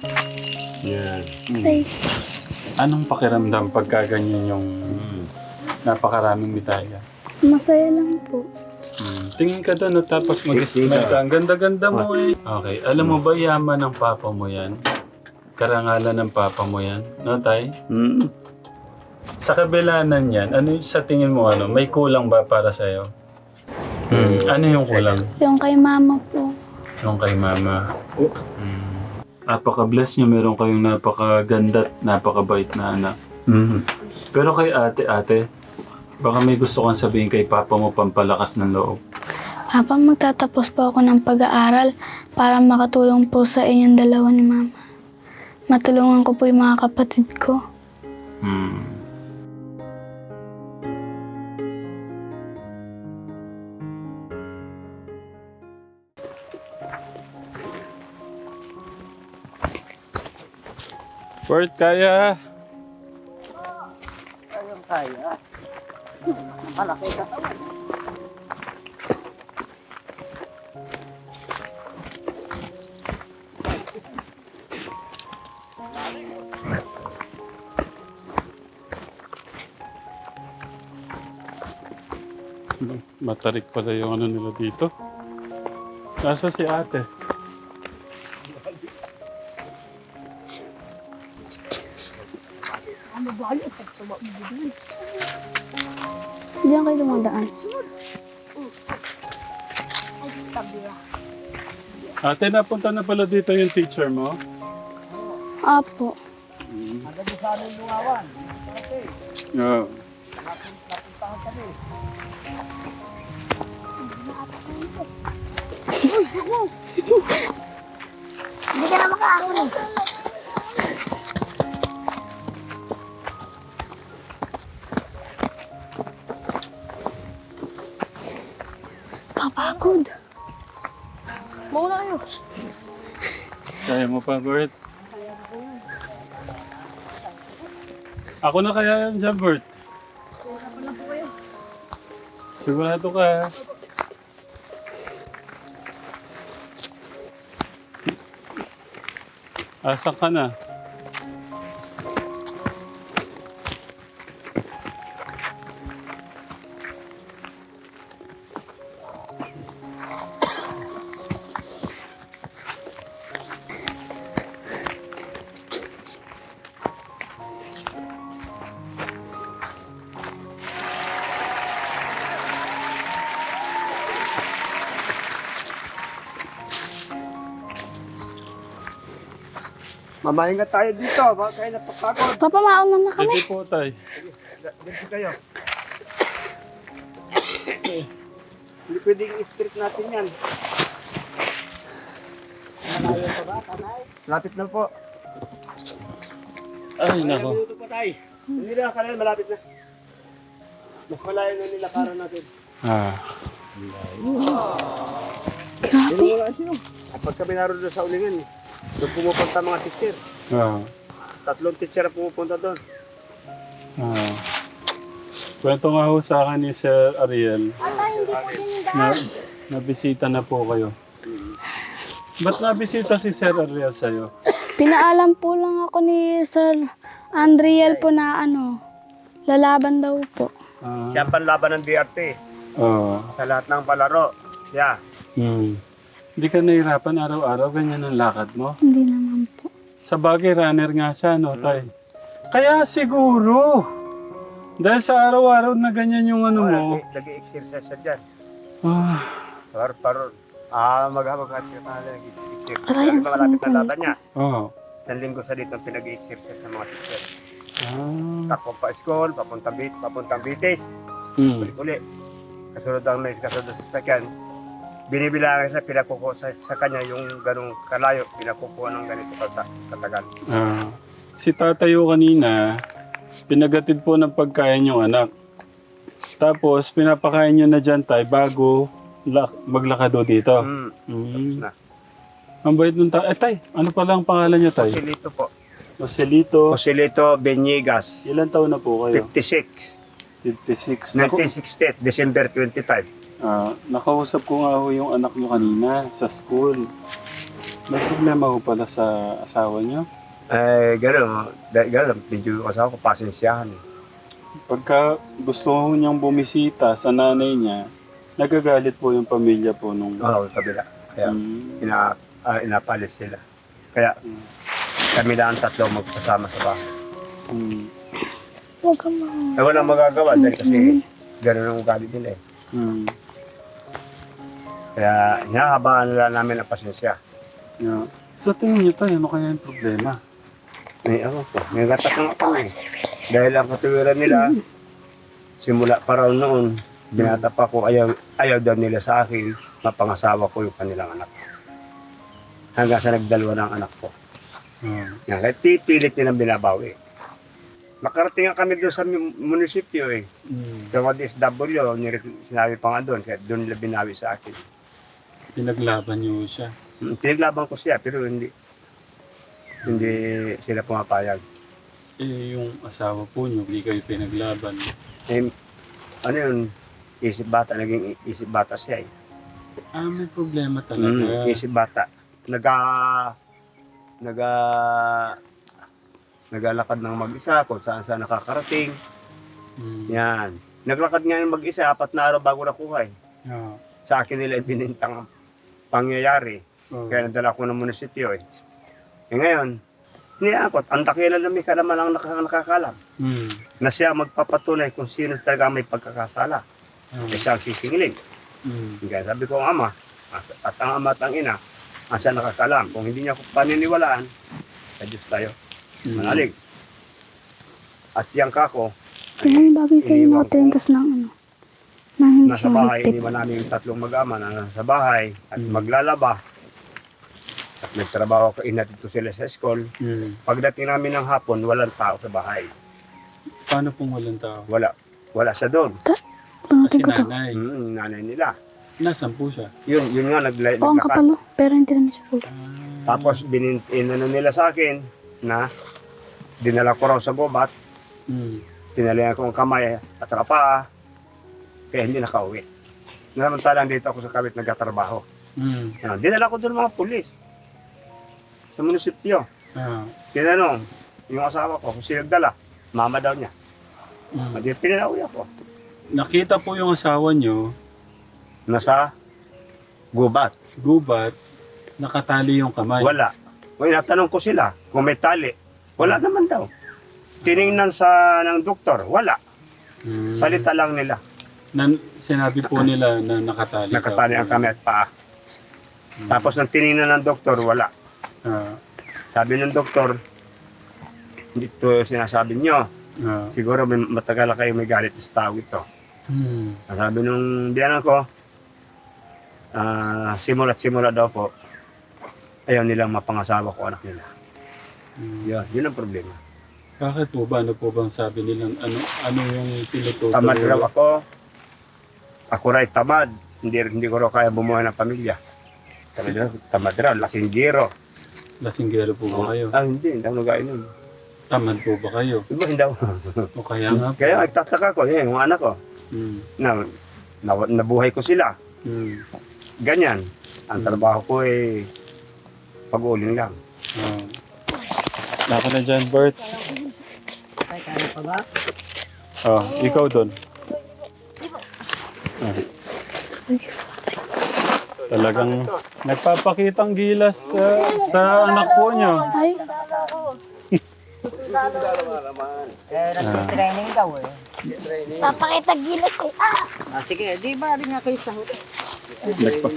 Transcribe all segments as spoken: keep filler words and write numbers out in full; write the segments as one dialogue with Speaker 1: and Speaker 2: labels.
Speaker 1: Yan.
Speaker 2: Ay,
Speaker 3: Anong pakiramdam pagka ganyan yung napakaraming bitaya?
Speaker 2: masaya lang po.
Speaker 3: Hmm. Tingin ka doon, no? Tapos mag-smile ka. Ang ganda-ganda mo eh. Okay. Alam mo ba, yaman ng papa mo yan? Karangalan ng papa mo yan? No, tay?
Speaker 1: Mm.
Speaker 3: Sa kabilanan yan, ano yung sa tingin mo, ano? May kulang ba para sa'yo? Hmm. Ano yung kulang?
Speaker 2: Yung kay mama po.
Speaker 3: Yung kay mama. Hmm. Napaka-bless nyo. Meron kayong napakaganda at napakabait na anak.
Speaker 1: Mm.
Speaker 3: Pero kay ate, ate, baka may gusto kang sabihin kay papa mo pampalakas ng loob.
Speaker 2: Papa, magtatapos po ako ng pag-aaral para makatulong po sa inyong dalawa ni mama. Matulungan ko po yung mga kapatid ko.
Speaker 3: Hmm. Bert, kaya?
Speaker 4: Ayun kaya. Malaki ka.
Speaker 3: Matarik pala yung ano nila dito. Nasa si ate?
Speaker 2: Diyan kayo dumadaan.
Speaker 3: Ate, napunta na pala dito yung teacher mo?
Speaker 2: Apo.
Speaker 4: Hanggang doon sa aming lungawan. Okay.
Speaker 3: Oo.
Speaker 4: Napuntahan kami.
Speaker 2: Hindi ka na makaahon eh. Kapagod. Muna kayo.
Speaker 3: Kaya mo pa, Bert? Ako na kaya yan dyan, Bert? Sigurado ka, ha? Asan ka na?
Speaker 4: Mamahinga tayo dito. Baka kayo napapagod.
Speaker 2: Papa, mauna na kami.
Speaker 3: Pwede po, tay.
Speaker 4: Dito kayo. Hindi pwedeng i-strip natin yan. Malayo pa ba, tanay? Lapit na po.
Speaker 3: Ay,
Speaker 4: Ilang
Speaker 3: nako.
Speaker 4: minuto pa tayo. Hindi na kanil, malapit na. Mas malayo na nilakaran natin.
Speaker 3: Ah.
Speaker 2: Grabe.
Speaker 4: Hindi mo sino. Kapag kami naroon doon sa ulingan, doon pumupunta mga teacher.
Speaker 3: Ah.
Speaker 4: Tatlong teacher ang pumupunta doon.
Speaker 3: Ah. Kwento nga ho sa akin ni Sir Ariel na nabisita na po kayo. Ba't nabisita si Sir Ariel sa'yo?
Speaker 2: Pinaalam po lang ako ni Sir Andriel po na ano, lalaban daw po.
Speaker 3: Ah.
Speaker 4: Siya ang panlaban ng D R T
Speaker 3: Oo.
Speaker 4: sa lahat ng palaro. Yeah.
Speaker 3: Hmm. Hindi ka nahihirapan araw-araw, ganyan ang lakad mo?
Speaker 2: Hindi naman po.
Speaker 3: Sa bagay, runner nga siya, no, tay? Kaya siguro, dahil sa araw-araw na ganyan yung ano mo,
Speaker 4: Nag-exercise siya dyan.
Speaker 3: ah,
Speaker 4: Par paron. Ah, maghabag at siya pa nag-exercise.
Speaker 2: Aray, ang
Speaker 4: Malapit
Speaker 2: sakit
Speaker 4: na laban niya.
Speaker 3: oh,
Speaker 4: Isang linggo sa dito pinag-exercise ng mga teacher.
Speaker 3: ah,
Speaker 4: Takbo pa school, papuntang bit, papuntang bitis.
Speaker 3: hmm,
Speaker 4: Uli. Kasunod ang nais, kasunod sa sakyan. Binibilangan siya, pinakukuha sa, sa kanya yung ganong kalayo, pinakukuha ng ganito kata, katagal.
Speaker 3: ah. Si tatayo kanina, pinagatid po ng pagkain yung anak. Tapos, pinapakain niyo na dyan, tay, bago lak- maglakado dito.
Speaker 4: Hmm.
Speaker 3: Mm.
Speaker 4: Na.
Speaker 3: Ang bait nung tay. Eh, tay, ano pala ang pangalan niyo, tay?
Speaker 4: Joselito po.
Speaker 3: Joselito.
Speaker 4: Joselito Benegas.
Speaker 3: Ilan taon na po kayo?
Speaker 4: fifty-six.
Speaker 3: fifty-six. Naku-
Speaker 4: nineteen sixty, December twenty-five.
Speaker 3: Ah, nakausap ko nga ho yung anak nyo kanina sa school. May problema ko pala sa asawa niyo.
Speaker 4: Eh, gano'n. Dahil gano'n, medyo yung asawa ko, pasensyahan.
Speaker 3: Pagka gusto ko niyang bumisita sa nanay niya, nagagalit po yung pamilya po nung...
Speaker 4: Oo, kabila. Kaya,
Speaker 3: Mm.
Speaker 4: ina, ah, inapalis sila. Kaya,
Speaker 3: Mm.
Speaker 4: kami lang ang tatlo magkasama sa bahay.
Speaker 3: Mm.
Speaker 2: Huwag ka ma-
Speaker 4: Eh, walang magagawa dahil kasi gano'n ang ugali nila eh.
Speaker 3: Mm.
Speaker 4: Kaya, hinahabaan nila namin ang pasensya.
Speaker 3: Yeah. Sa tingin niyo tayo, ano kaya yung problema?
Speaker 4: May ako po, may gatak nga ako eh. Dahil ang katuwiran nila, simula pa raw noon, binata pa ko, ayaw, ayaw daw nila sa akin, mapangasawa ko yung kanilang anak. Hanggang sa nagdalawa ng anak ko.
Speaker 3: Mm.
Speaker 4: Yan, kaya pipilit nilang binabawi. Nakarating nga kami doon sa mu- munisipyo eh.
Speaker 3: Mm.
Speaker 4: Sa mga D S W, nire- sinabi pa nga doon, kaya doon nila binawi sa akin.
Speaker 3: Pinaglaban niyo siya.
Speaker 4: Mm, Pinaglaban ko siya, pero hindi hindi sila pumapayag.
Speaker 3: Eh, yung asawa po niyo, hindi kayo pinaglaban.
Speaker 4: Eh, ano yun, isip bata, naging i- isip bata siya eh.
Speaker 3: Ah, may problema talaga.
Speaker 4: Mm, isip bata. Naga, naga, nagalakad ng mag-isa kung saan saan nakakarating.
Speaker 3: Mm.
Speaker 4: Yan. Naglakad nga ng mag-isa, apat na araw bago nakuha eh.
Speaker 3: Yeah.
Speaker 4: Sa akin nila ibinintang pangyayari.
Speaker 3: Oh.
Speaker 4: Kaya nadala ko ng munisipyo eh. Eh ngayon, niyakot, ang dakilan na may kalaman ang nakaka- nakakalam.
Speaker 3: Mm.
Speaker 4: Na siya magpapatunay kung sino talaga may pagkakasala.
Speaker 3: Ah.
Speaker 4: Eh siya ang sisingilin.
Speaker 3: Mm.
Speaker 4: Kaya sabi ko ang ama, as- at ang ama at ang ina, ang siya nakakalam. Kung hindi niya ako paniniwalaan, sa Diyos tayo,
Speaker 3: Mm.
Speaker 4: manalig. At siyang kako,
Speaker 2: Kaya yung bagay sa iyo
Speaker 4: iniwan
Speaker 2: mga tentas ng ano. Nang hindi
Speaker 4: nasa
Speaker 2: siya
Speaker 4: bahay,
Speaker 2: higpit.
Speaker 4: iniwan namin yung tatlong mag-ama na nasa bahay at
Speaker 3: Mm.
Speaker 4: maglalaba. At nagtrabaho ko, ina dito sila sa school.
Speaker 3: Mm.
Speaker 4: Pagdating namin ng hapon, walang tao sa bahay.
Speaker 3: Paano pong walang tao?
Speaker 4: Wala. Wala siya doon.
Speaker 2: Pangatin
Speaker 3: Kasi
Speaker 2: ko to.
Speaker 3: nanay.
Speaker 4: Mm, nanay nila.
Speaker 3: Nasaan po siya?
Speaker 4: Yun, yun nga, nagla-
Speaker 2: Oo, ang
Speaker 4: naglakad.
Speaker 2: kapalo. Pero hindi naman siya full.
Speaker 3: Ah.
Speaker 4: Tapos, binin, inano nila sa akin na dinala ko raw sa gubat,
Speaker 3: Mm.
Speaker 4: tinalihan ko ang kamay at saka paa, kaya hindi nakauwi. Namantalang dito ako sa kabit nagkatrabaho.
Speaker 3: Mm.
Speaker 4: Yan, dinala ko doon mga pulis sa munisipyo.
Speaker 3: Ah.
Speaker 4: Tinanong yung asawa ko kung sino nagdala. Mama daw niya.
Speaker 3: Mm.
Speaker 4: At pinauwi ako.
Speaker 3: Nakita po yung asawa niyo,
Speaker 4: Nasa gubat.
Speaker 3: gubat, nakatali yung kamay.
Speaker 4: Wala. Kung natanong ko sila kung may tali, wala naman daw. Tiningnan sa ng doktor, wala.
Speaker 3: Mm.
Speaker 4: Salita lang nila.
Speaker 3: Nan, sinabi po nila na nakatali.
Speaker 4: Nakatali
Speaker 3: daw.
Speaker 4: ang kami at paa.
Speaker 3: Mm.
Speaker 4: Tapos nang tiningnan ng doktor, wala.
Speaker 3: Ah.
Speaker 4: Sabi ng doktor, dito sinasabi nyo,
Speaker 3: Ah.
Speaker 4: siguro may, matagal na kayo may galit sa tao ito.
Speaker 3: Mm.
Speaker 4: Ang sabi nung biyanan ko, ah simula't simula daw po, ayaw nilang mapangasawa ko anak nila.
Speaker 3: Mm.
Speaker 4: Yun, yun ang problema.
Speaker 3: Bakit po ba? Ano po bang sabi nilang ano ano yung tinutukoy?
Speaker 4: Tamad raw ako, ako rin tamad, hindi, hindi ko raw kaya bumuhay ng pamilya. Sabi nila, tamad raw, lasinggero.
Speaker 3: Lasinggero po ba kayo?
Speaker 4: Ah, hindi, hindi ako nagainom.
Speaker 3: Tamad po ba kayo?
Speaker 4: Diba, hindi ako.
Speaker 3: O kaya nga po.
Speaker 4: Kaya nagtataka ko, eh, yung anak ko,
Speaker 3: Mm.
Speaker 4: na, na, nabuhay ko sila.
Speaker 3: Mm.
Speaker 4: Ganyan. Ang
Speaker 3: Hmm.
Speaker 4: trabaho ko eh, pag-uling lang.
Speaker 3: Ah. Naka na dyan, Bert. Oh, ikaw doon. Ah. Talagang nagpapakitang gilas sa, sa anak po niyo.
Speaker 2: Ay,
Speaker 1: Eh, nag-training daw eh.
Speaker 2: papakita gilas eh.
Speaker 1: Ah, sige, di ba rin nga kayo sa hotel?
Speaker 3: Nagpa-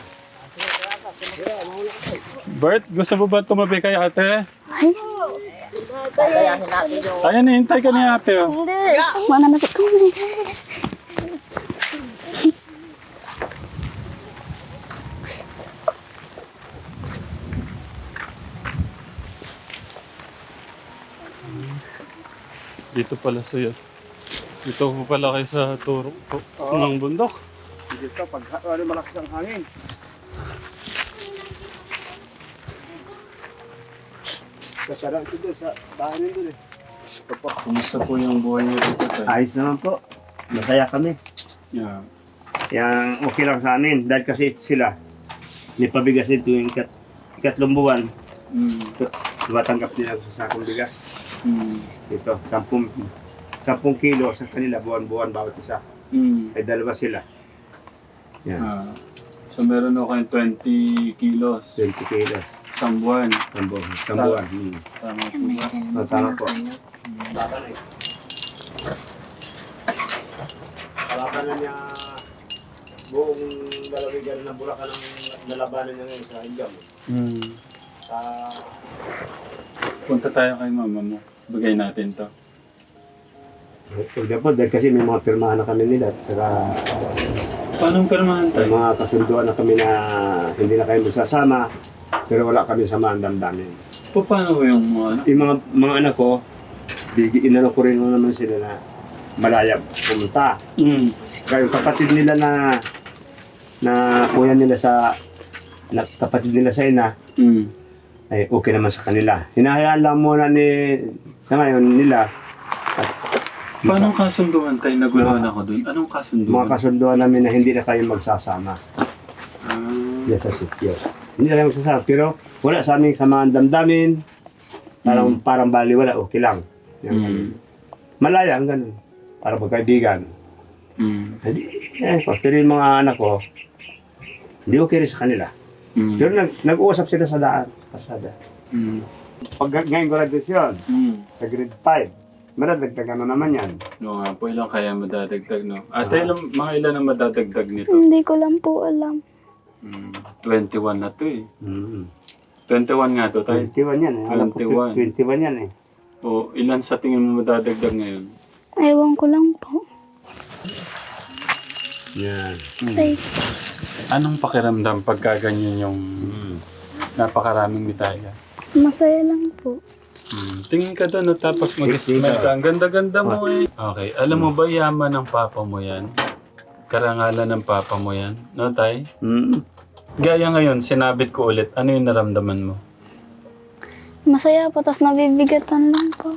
Speaker 3: Bert, gusto mo ba tumabi kay ate?
Speaker 2: Ay,
Speaker 1: Kakayahin natin yung...
Speaker 3: Ayan, hintay ka ni ate. Oh.
Speaker 2: mananapit ko.
Speaker 3: Dito pala sa'yo. Dito po pala kayo sa turo po ng bundok.
Speaker 4: Dito, pag ano, malakas ang hangin. Kasarang ito doon sa bahay nito eh.
Speaker 3: Kumusta po yung buhay niyo dito? Tay?
Speaker 4: Ayos naman po. Masaya kami.
Speaker 3: Yeah.
Speaker 4: Yang okay lang sa amin. Dahil kasi sila, may pabigas ito yung ikat, ikatlong buwan,
Speaker 3: Mm.
Speaker 4: tumatanggap nila sa sakong bigas.
Speaker 3: Mm.
Speaker 4: Ito, sampung, sampung kilo sa kanila, buwan-buwan bawat isa.
Speaker 3: Mm.
Speaker 4: Ay dalawa sila. Yan,
Speaker 3: Ah. So meron ako kayong twenty kilos.
Speaker 4: twenty kilo.
Speaker 3: Isang buwan.
Speaker 4: Isang buwan. Isang buwan. Hmm.
Speaker 3: Tama po ba?
Speaker 4: Oh, tama po. Kalaban na niya buong lalawigan ng Bulacan ang nalabanan niya ngayon sa Higam.
Speaker 3: Mm.
Speaker 4: Sa
Speaker 3: Punta tayo kay mama mo. Bagay natin to.
Speaker 4: Pwede po, dahil kasi may mga pirmahan na kami nila. Saka
Speaker 3: Paano pirmahan
Speaker 4: may
Speaker 3: tayo?
Speaker 4: mga kasunduan na kami na hindi na kayo magsasama. Pero wala kami samahan damdamin.
Speaker 3: Pa- Paano ko yung mga ano?
Speaker 4: Yung mga, mga anak ko, bigyan inano ko rin naman sila na malaya pumunta.
Speaker 3: Mm.
Speaker 4: Kaya yung kapatid nila na na kuya nila sa na, kapatid nila sa ina
Speaker 3: Mm.
Speaker 4: ay okay naman sa kanila. Hinahayaan lang muna ni sa ngayon nila at
Speaker 3: Paano kasunduan tayo? Naguluhan ako dun. Anong kasunduan?
Speaker 4: mga kasunduan namin na hindi na kayo magsasama
Speaker 3: Ah.
Speaker 4: diyan sa sityo. Hindi na kayo magsasama pero wala sa aming samahan damdamin. Parang
Speaker 3: Mm.
Speaker 4: parang baliwala, okay lang. Yan,
Speaker 3: Mm.
Speaker 4: malaya ang ganun. Para magkaibigan.
Speaker 3: Mm.
Speaker 4: Hindi, eh, pero yung mga anak ko, hindi okay rin sa kanila.
Speaker 3: Mm.
Speaker 4: Pero nag, nag-uusap sila sa daan, pasada.
Speaker 3: Mm.
Speaker 4: Pag ngayon graduation,
Speaker 3: Mm.
Speaker 4: sa grade five, madadagdagan na naman yan.
Speaker 3: No nga po, ilang kaya madadagdag, no? Ate, ilang, mga ilan ang madadagdag nito?
Speaker 2: Hindi ko lang po alam.
Speaker 3: Mm. twenty-one na to eh.
Speaker 4: Mm.
Speaker 3: twenty-one nga to tayo.
Speaker 4: twenty-one yan eh. Alam ko,
Speaker 3: twenty-one.
Speaker 4: twenty-one yan eh.
Speaker 3: O, ilan sa tingin mo madadagdag ngayon?
Speaker 2: Ewan ko lang po.
Speaker 4: Yan.
Speaker 2: Ay,
Speaker 3: Anong pakiramdam pagka ganyan yung
Speaker 4: Mm.
Speaker 3: napakaraming bitaya?
Speaker 2: masaya lang po.
Speaker 3: Hmm. Tingin ka doon, no? Tapos mag-smile ka. Ang ganda-ganda mo eh. Okay. Alam mo ba, yaman ng papa mo yan? Karangalan ng papa mo yan? No, tay?
Speaker 4: Mm.
Speaker 3: Gaya ngayon, sinabit ko ulit. Ano yung naramdaman mo?
Speaker 2: Masaya po, tapos nabibigatan lang po.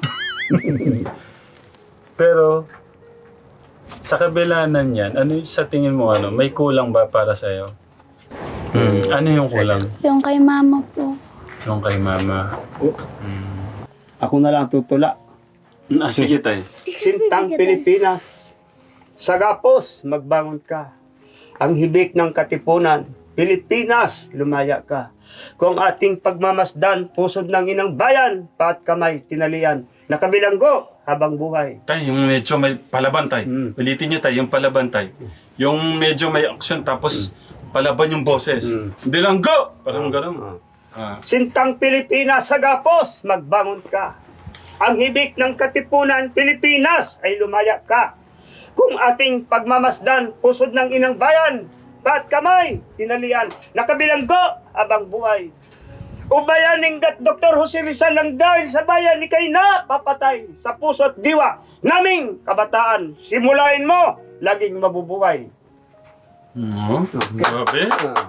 Speaker 3: Pero, sa kabilanan yan, ano yung sa tingin mo, ano? May kulang ba para sa'yo? Hmm. Ano yung kulang?
Speaker 2: Yung kay mama po.
Speaker 3: Yung kay mama. Hmm.
Speaker 4: Ako na lang tutula.
Speaker 3: Ah, sige, tay.
Speaker 4: Sintang Pilipinas, sa gapos, magbangon ka. Ang hibik ng katipunan, Pilipinas, lumaya ka. Kung ating pagmamasdan, pusod ng inang bayan, paat kamay, tinalian, nakabilanggo habang buhay.
Speaker 3: Tay, yung medyo may palaban, tay.
Speaker 4: Mm.
Speaker 3: Ulitin nyo, tay, yung palaban, tay. Yung medyo may action, tapos palaban yung boses.
Speaker 4: Mm.
Speaker 3: Bilanggo! Parang gano'n.
Speaker 4: Ah.
Speaker 3: Ah.
Speaker 4: Sintang Pilipinas, sa gapos, magbangon ka. Ang hibik ng katipunan, Pilipinas, ay lumaya ka. Kung ating pagmamasdan, pusod ng inang bayan, paat kamay, tinalian, nakabilanggo habang buhay. Ubayaning gat Doktor Jose Rizal lang dahil sa bayan ni kay na papatay sa puso at diwa naming kabataan. Simulain mo, laging mabubuhay.
Speaker 3: Hmm? Grabe.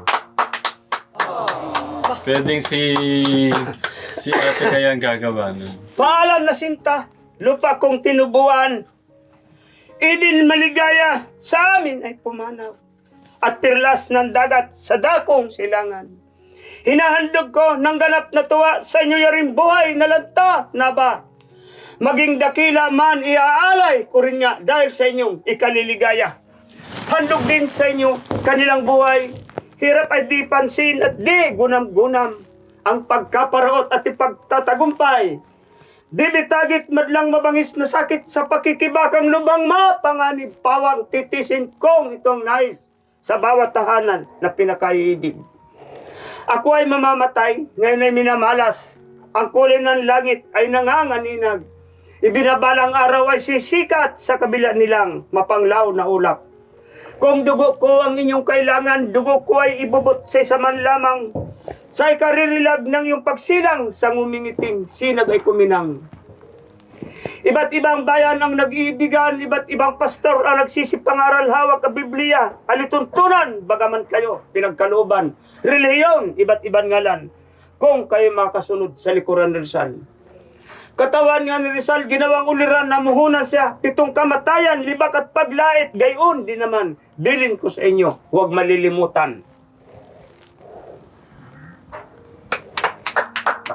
Speaker 3: Pwedeng si... si ate kaya ang gagawa nun.
Speaker 4: Paalam na sinta, lupa kong tinubuan. Idin maligaya sa amin ay pumanaw. At pirlas ng dagat sa dakong silangan. Hinahandog ko ng ganap na tuwa sa inyo yaring buhay na lanta na ba? Maging dakila man iaalay ko rin nga dahil sa inyong ikaliligaya. Handog din sa inyo kanilang buhay. Hirap ay di pansin at di gunam-gunam. Ang pagkaparaot at ipagtatagumpay. Di bitagit madlang mabangis na sakit sa pakikibakang lubang mapanganib pawang titisin kong itong nais sa bawat tahanan na pinakaiibig. Ako ay mamamatay, ngayon ay minamalas. Ang kulay ng langit ay nanganganinag. Ibinabalang araw ay sisikat sa kabila nilang mapanglaw na ulap. Kung dugo ko ang inyong kailangan, dugo ko ay ibubot sa isa man lamang. Sa ikaririlag ng iyong pagsilang sa ngumingiting sinag ay kuminang. Iba't ibang bayan ang nag-iibigan, iba't ibang pastor ang nagsisipangaral hawak ang Biblia. Alituntunan, bagaman kayo, pinagkalooban. Reliyon, iba't ibang ngalan. Kung kayo makasunod sa likuran ni Rizal. Katawan nga ni Rizal, ginawang uliran na muhunan siya. Pitong kamatayan, libak at paglait, gayon din naman. Bilin ko sa inyo, huwag malilimutan.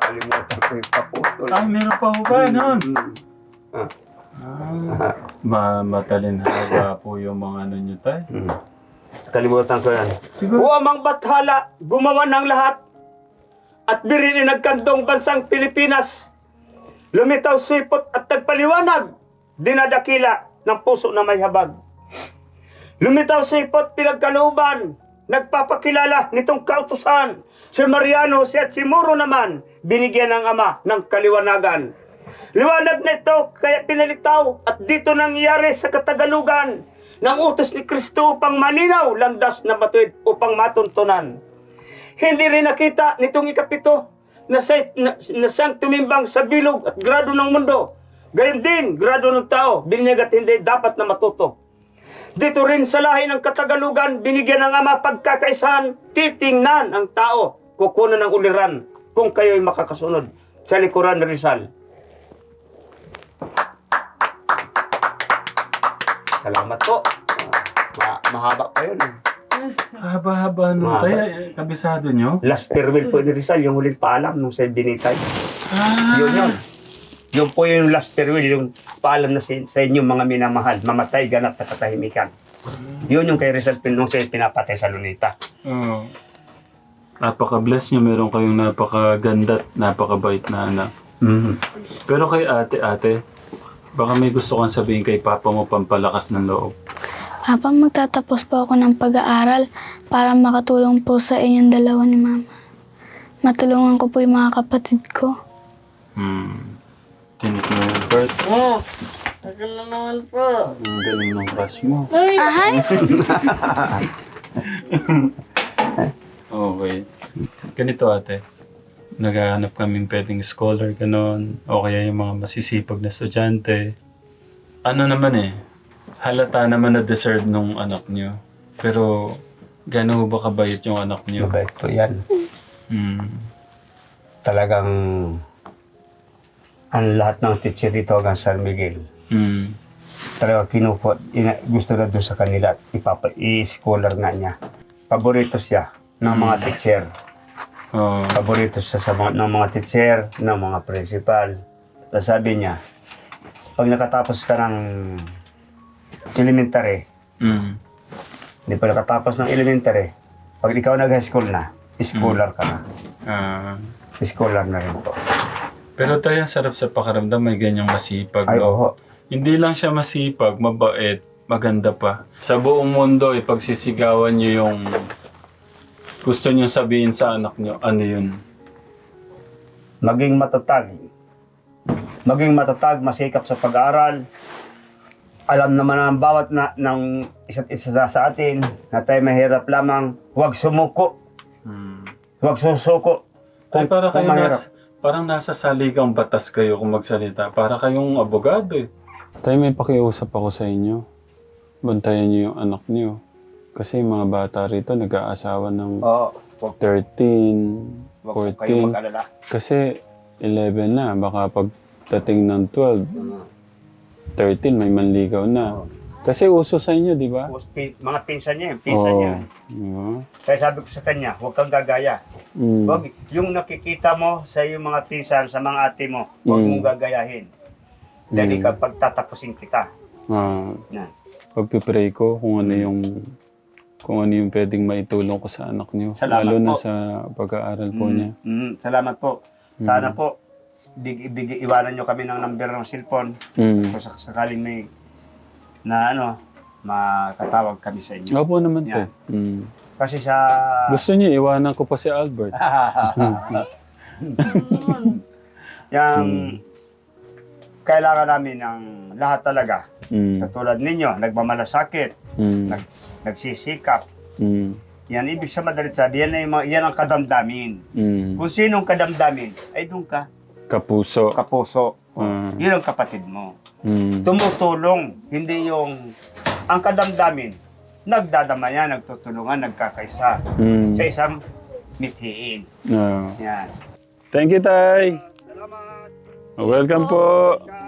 Speaker 4: Nakalimutan ko yung kaputol.
Speaker 3: Ah, meron pa ho ba nun?
Speaker 4: Mm.
Speaker 3: Ah, ma matalinhaga po yung mga ano nyo, tay.
Speaker 4: Mm. Nakalimutan ko yan.
Speaker 3: Siguro.
Speaker 4: O amang bathala, gumawa ng lahat. At birin nagkandong bansang Pilipinas. Lumitaw suipot at nagpaliwanag. Dinadakila ng puso na may habag. Lumitaw suipot pinagkalooban. Nagpapakilala nitong kautusan. Si Mariano, si at si Muro naman, binigyan ng ama ng kaliwanagan. Liwanag na ito, kaya pinalitaw at dito nangyayari sa Katagalugan ng utos ni Kristo upang maninaw, landas na matuwid upang matuntunan. Hindi rin nakita nitong ikapito na, sa, na, na siyang tumimbang sa bilog at grado ng mundo. Gayon din, grado ng tao, binyag at hindi dapat na matuto. Dito rin sa lahi ng Katagalugan, binigyan ng ama pagkakaisahan, titingnan ang tao, kukunan ng uliran kung kayo'y makakasunod sa likuran ni Rizal. Salamat po. Ma mahaba pa yun. Eh.
Speaker 3: Haba-haba nung
Speaker 4: Mahaba.
Speaker 3: tay, kabisado nyo?
Speaker 4: Last farewell po ni Rizal, yung huling paalam nung sa binitay.
Speaker 3: Ah,
Speaker 4: Yun yun. Yun po yung last farewell, yung paalam na sa, sa inyong mga minamahal. Mamatay, ganap na katahimikan. Yun yung kay Rizal nung siya pinapatay sa Lunita.
Speaker 3: Oo. Napaka-bless nyo, meron kayong napakaganda at napakabait na anak.
Speaker 4: Mm-hmm.
Speaker 3: Pero kay ate-ate, baka may gusto kang sabihin kay papa mo pampalakas ng loob.
Speaker 2: Papa, magtatapos po ako ng pag-aaral para makatulong po sa inyong dalawa ni Mama. Matulungan ko po yung mga kapatid ko.
Speaker 3: Hmm. Tinik mo yung birth.
Speaker 1: Oh, ako na naman po.
Speaker 3: Ang galing ng crush mo.
Speaker 2: Ahay!
Speaker 3: Okay. Ganito ate. Naghahanap kaming pwedeng scholar, ganon. O kaya yung mga masisipag na estudyante. Ano naman eh, halata naman na deserve nung anak niyo. Pero, gano'n ba kabayot yung anak niyo?
Speaker 4: Mabait po yan.
Speaker 3: Hmm.
Speaker 4: Talagang ang lahat ng teacher dito hanggang San Miguel.
Speaker 3: Hmm.
Speaker 4: Talaga kinupot, ina, gusto na doon sa kanila, ipapa, i-scholar nga niya. Paborito siya ng mga teacher.
Speaker 3: Oo.
Speaker 4: Paborito siya sa mga, ng mga teacher, ng mga principal. Tapos sabi niya, pag nakatapos ka ng elementary,
Speaker 3: Hmm.
Speaker 4: hindi pa nakatapos ng elementary, pag ikaw nag-high school na, scholar ka na.
Speaker 3: Ah.
Speaker 4: Scholar na rin po.
Speaker 3: Pero tayo, ang sarap sa pakaramdam, may ganyang masipag.
Speaker 4: Ay,
Speaker 3: no?
Speaker 4: oo.
Speaker 3: Hindi lang siya masipag, mabait, maganda pa. Sa buong mundo, ipagsisigawan niyo yung gusto niyo sabihin sa anak niyo, ano yun?
Speaker 4: Maging matatag. Maging matatag, masikap sa pag-aaral. Alam naman ang bawat na, ng isa't isa sa atin na tayo mahirap lamang. Huwag sumuko.
Speaker 3: Hmm.
Speaker 4: Huwag susuko.
Speaker 3: Ay, para
Speaker 4: kung
Speaker 3: kayo
Speaker 4: mahirap.
Speaker 3: nasa, parang nasa saligang batas kayo kung magsalita. Para kayong abogado eh. Tayo, may pakiusap ako sa inyo. Bantayan niyo yung anak niyo. Kasi yung mga bata rito nag-aasawa ng
Speaker 4: Oo. Huwag,
Speaker 3: thirteen,
Speaker 4: huwag po kayo
Speaker 3: fourteen.
Speaker 4: mag-alala.
Speaker 3: Kasi eleven na, baka pagdating ng twelve, thirteen, may manligaw na.
Speaker 4: Oo.
Speaker 3: Kasi uso sa inyo, di ba?
Speaker 4: Tapos pin- Mga pinsan niya, pinsan
Speaker 3: Oo.
Speaker 4: niya.
Speaker 3: Diba?
Speaker 4: Kaya sabi ko sa kanya, huwag kang gagaya.
Speaker 3: Mm.
Speaker 4: Huwag, yung nakikita mo sa iyong mga pinsan, sa mga ate mo, huwag
Speaker 3: Mm.
Speaker 4: mong gagayahin. Dahil
Speaker 3: Mm.
Speaker 4: ikaw pagtatapusin kita.
Speaker 3: Ah,
Speaker 4: Yan.
Speaker 3: pagpipray ko kung ano yung kung ano yung pwedeng maitulong ko sa anak niyo.
Speaker 4: Salamat
Speaker 3: Lalo na
Speaker 4: po.
Speaker 3: sa pag-aaral po niya.
Speaker 4: Mm, salamat po. Sana po, big, big, iwanan nyo kami ng number ng cellphone.
Speaker 3: Mm.
Speaker 4: Kung sak- sakaling may na ano, makatawag kami sa inyo.
Speaker 3: Opo naman po.
Speaker 4: Yan.
Speaker 3: Mm.
Speaker 4: Kasi sa...
Speaker 3: Gusto niyo, iwanan ko pa si Albert.
Speaker 4: Yang kailangan namin ng lahat talaga.
Speaker 3: Mm.
Speaker 4: Katulad ninyo, nagmamalasakit,
Speaker 3: Mm.
Speaker 4: nag, nagsisikap.
Speaker 3: Mm.
Speaker 4: Yan, ibig sa madalit sabi, yan, ay mga, yan ang kadamdamin.
Speaker 3: Mm.
Speaker 4: Kung sinong kadamdamin, ay doon ka,
Speaker 3: Kapuso.
Speaker 4: kapuso.
Speaker 3: Ah.
Speaker 4: Yun ang kapatid mo.
Speaker 3: Mm.
Speaker 4: Tumutulong, hindi yung ang kadamdamin. Nagdadamayan, nagtutulungan, nagkakaisa
Speaker 3: Mm.
Speaker 4: sa isang mithiin.
Speaker 3: Ah.
Speaker 4: Yan.
Speaker 3: Thank you, Tay.
Speaker 4: Salamat.
Speaker 3: Welcome po.
Speaker 4: Ka-